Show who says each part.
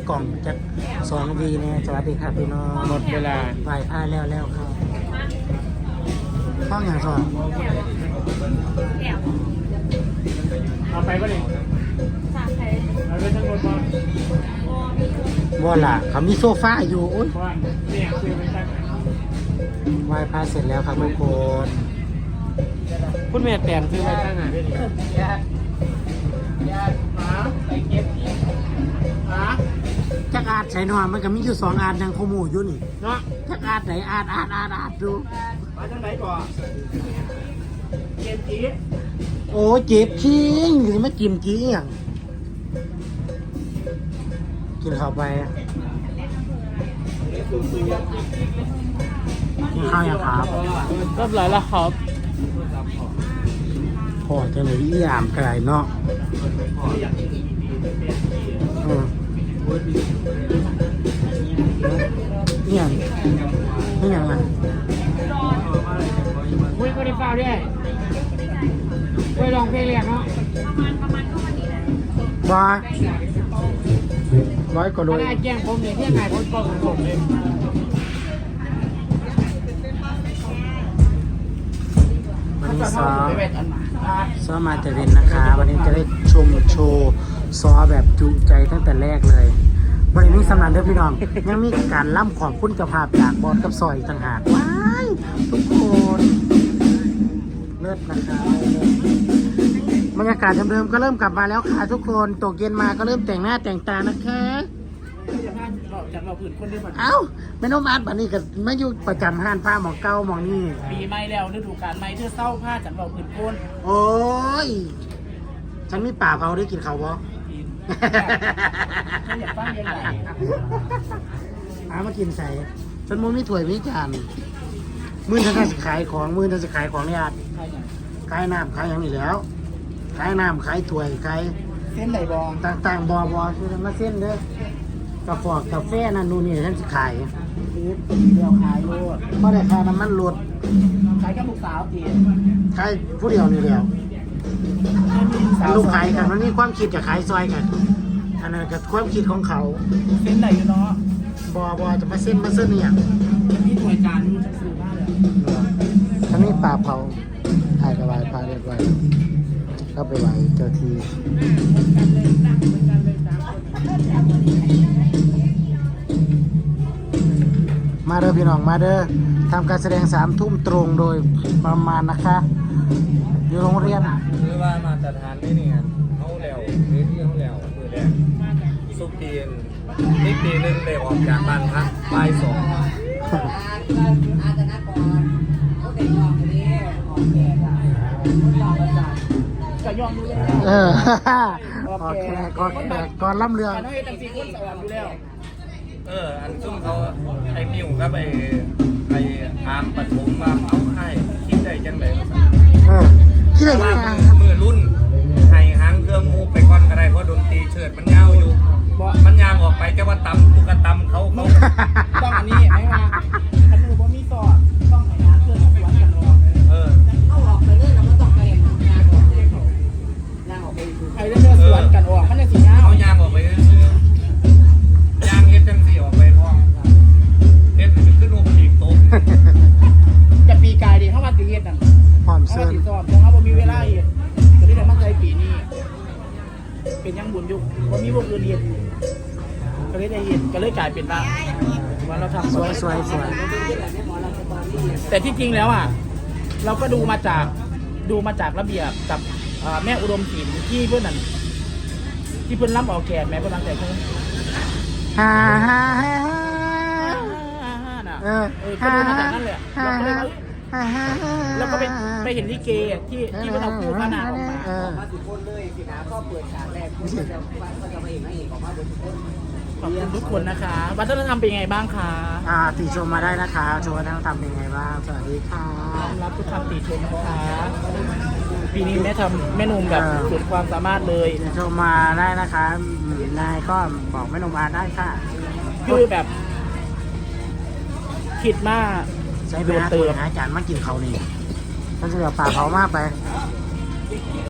Speaker 1: กล่องจาก2 วีเนี่ยสวัสดีครับพี่น้อง
Speaker 2: หมดเวลา
Speaker 1: ไหว้พระแล้วครับห้องอย่างสอง
Speaker 2: เอาไปป่ะนี่เอาไปทั้งหมดก่อน
Speaker 1: บ่ล่ะเขามีโซฟาอยู่อุ้ย
Speaker 2: เพราะว่าเนี่ยคือไปตั้ง
Speaker 1: ไหว้พระเสร็จแล้วครับทุกคน
Speaker 2: คุณแม่แต่งซื้อไปตั้งไหนได้ดิหาไปเก็บที่หา
Speaker 1: จักอาดใส่นอนมันก็มีอยู่2 อาดยังขโมยอยู่นี่
Speaker 2: เนาะ
Speaker 1: จักอาดไหนอาดดู
Speaker 2: มาทางไหนก่อนเก็บจี
Speaker 1: โอ้เจ็บชิงหรือไม่กินกี้อย่างกินเข้าไปกินข้าวยังครับ
Speaker 2: เรียบร้อยแล้วครับ
Speaker 1: พอจะเลยอีอามไก่เนาะอืมเนี่ยนี่ยังไง
Speaker 2: คุยก็ได้เปล่าด้วยคุยลองเพลงเรียกเนาะ
Speaker 1: ร้อยกว่าโล
Speaker 2: ถ้าได้แจ้งผมเนี่ยเที่ยงไงผมก็ของผมเลย
Speaker 1: วันนี้ซ้อมมาแต่เวนนะคะ วันนี้จะได้ชมโชว์ซ้อแบบจุใจตั้งแต่แรกเลยวันนี้มีสำนักเด้อพี่น้อง ยังมีการล่ำขอบคุณเจ้าภาพจากบอสกับซอยอีกต่างหากว้ายทุกคนเลิศนะคะบรรยากาศเดิมๆก็เริ่มกลับมาแล้วค่ะทุกคนตกเย็นมาก็เริ่มแต่งหน้าแต่งตานะคะ
Speaker 2: จากเราผืนคนเดียว
Speaker 1: เอ้าแม่น้องอาร์ตบัดนี้ก็มาอยู่ประจำห้านผ้าหมองเก้าหมองนี่
Speaker 2: ปีใหม่แล้วฤดูกาลใหม่เธอเศร้าผ้าจากเราผืนคน
Speaker 1: โอ้ยฉันมีป่าเขาได้กินเขาบ่
Speaker 2: กินฉันอยากฟังยังไง
Speaker 1: หามากินใส่ฉันมุมีถ้วยมีจานมื้อฉันจะขายของมื้อฉันจะขายของเนี่ยอาร์ต
Speaker 2: ใครอย่าง
Speaker 1: ขายน้ำขายอย่างนี้แล้วขายน้ำขายถ้วยขาย
Speaker 2: เส้นไหนบอง
Speaker 1: ต่างๆบคือมาเส้นเด้อกาแฟนั่นนู่นนี่ฉันจะขาย
Speaker 2: เดียวขายโลด
Speaker 1: เพราะได้ค่าน้ำมันรถ
Speaker 2: ขายกับลูกสาวจี
Speaker 1: ขายผู้เดียวนี่แล้วลูกขายกันมันมีความคิดจะขายซอยกันอันนั้นก็ความคิดของเขา
Speaker 2: เส้นไหนอยู่เนาะ
Speaker 1: บจะมาเส้นเนี่ย
Speaker 2: พี่ถวยจานจะซื้อมากเลย
Speaker 1: ทั้งนี้ป่าเผาถ่ายกระบายพาเรียบร้อยก็ไปไหวเจ้าทีมาเด้อพี่น้องมาเด้อทำการแสดง3 ทุ่มตรงโดยประมาณนะคะ อยู่โรงเรียน
Speaker 3: หรือว่ามาตรฐานไม่เนี่ยเขาแล้วเวทีเขาแล้วคือแรกสุกปีนนี่ปีหนึ่งเลยออกจากบ้านพักบ่าย 2
Speaker 2: จะยอมดูเลย
Speaker 1: โอเคก่อนล่ำเรือง
Speaker 2: แต่น้องเอตังซีคนสอนอยู่แล้ว
Speaker 3: อันซุ่มเขาไอ้มิวก็ไปอามปฐมมาเอาให้คิดได้จังเลย
Speaker 1: คิดอะไร
Speaker 3: ว่า
Speaker 1: กัน
Speaker 3: มือรุ่นให้หางเครื่องมูไปก่อนก็ได้เพราะดนตรีเชิดมันยาวอยู่มันยางออกไปจะว่าตำกูกระตำเขา
Speaker 2: ต้องอันนี้ไม่ว่าขนมบ่มีสอดต้องให้น้ำเพื่อนสวนกันรอ
Speaker 4: เอาออกไปเลยแล้วมันต้องไปงานออกเลยงานออกไปดู
Speaker 2: ใครจะเดินสวนกันออกมันจะสีน้ำ
Speaker 3: เขายางออกไปซื้อยางเฮ็ดจังสีออกไปพ่อเฮ็ดขึ้นโอปีกโต๊ะ
Speaker 2: จะปีกายดีเข้ามาตีเฮ็ดนั่น
Speaker 1: พร้อม
Speaker 2: เข้า
Speaker 1: เสื้
Speaker 2: มา
Speaker 1: อ
Speaker 2: ตีสอบเพราะเขาบ่มีเวลาเฮ็ดจะได้แต่มาใจปีนี้เป็นยังบุญอยู่บ่มีวงอื่นเฮ็ดก็เลยได้เฮ็ดก็เลยกลายเป็นว่าเราทำ
Speaker 1: สวย
Speaker 2: แต่ที่จริงแล้วอ่ะเราก็ดูมาจากระเบียบกับแม่อุดมศิลป์ที่เพื่อนนั่นที่เพื่อนรับออกแขกแม่เพื่อนรับแต่เพื่อน
Speaker 1: ฮ่า
Speaker 2: น่ะก็ดูมาจากนั่นแหละแล้วก็ไปเห็นลิเกที่เพื่อนเอาคู่พระนางออกมา
Speaker 4: มาทุกคนเลยสินะก็เปิดฉากแรกก็จะมาเอกนางเอกออกมาบนทุกคน
Speaker 2: ขอบคุณทุกคนนะคะวัฒนธรรมเป็นยังไงบ้างคะ
Speaker 1: ติชมมาได้นะคะชมวัฒนธรรมเป็นไงบ้างสวัสดีค่ะ
Speaker 2: รับทุกคำติชมนะคะปีนี้แม่นุ่มแบบสุดความสามารถเลย
Speaker 1: ติชมมาได้นะคะนายก็บอกแม่นมอาได้ค่ะ
Speaker 2: คือแบบคิดมาก
Speaker 1: ใช้เวลาตัวอาจารย์มากินเขานี่ท่านจะเหลือป่าเขามากไป